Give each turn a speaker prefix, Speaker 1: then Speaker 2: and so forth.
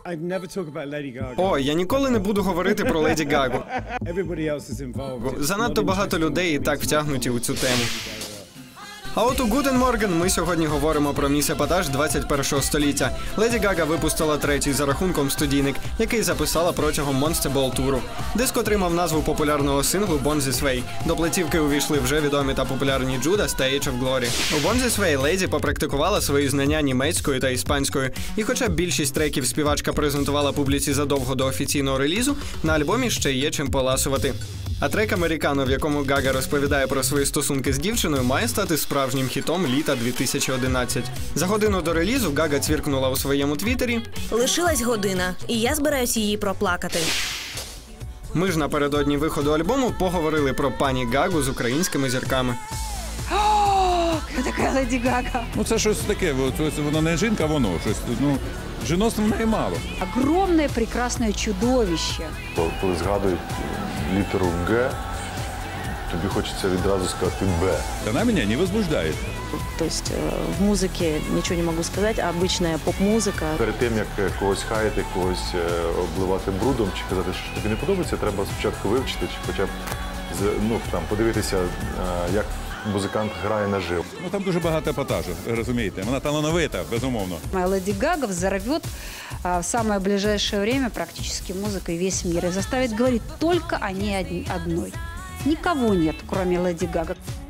Speaker 1: О, я ніколи не буду говорити про Леді Гагу. Занадто багато людей і так втягнуті у цю тему. А от у Guten Morgen ми сьогодні говоримо про міс епатаж 21-го століття. Леді Гага випустила третій за рахунком студійник, який записала протягом Monster Ball туру. Диск отримав назву популярного синглу Born This Way. До платівки увійшли вже відомі та популярні Judas та Age of Glory. У Born This Way Леді попрактикувала свої знання німецькою та іспанською. І хоча більшість треків співачка презентувала публіці задовго до офіційного релізу, на альбомі ще є чим поласувати. А трек «Американо», в якому Гага розповідає про свої стосунки з дівчиною, має стати справжнім хітом літа 2011. За годину до релізу Гага цвіркнула у своєму твіттері:
Speaker 2: «Лишилась година, і я збираюсь її проплакати».
Speaker 1: Ми ж напередодні виходу альбому поговорили про пані Гагу з українськими зірками.
Speaker 3: Хто така Леді Гага?
Speaker 4: Ну це щось таке, воно не жінка, воно щось, жіноцтва в неї мало.
Speaker 3: Огромне, прекрасне чудовище.
Speaker 5: Коли згадують літеру «Г», тобі хочеться відразу сказати «Б».
Speaker 4: Она меня не возбуждает.
Speaker 6: То есть в музыке ничего не могу сказать, а обычная поп-музыка.
Speaker 5: Перед тим, як когось хаяти, когось обливати брудом чи казати, що тобі не подобається, треба спочатку вивчити, чи хоча б подивитися, як музикант грає наживо.
Speaker 4: Ну там дуже багато епатажу, розумієте. Вона талановита, безумовно.
Speaker 3: Леди Гага взорвет в самое ближайшее время практически музыкой весь мир и заставит говорить только о ней одной. Никого нет, кроме Леди Гага.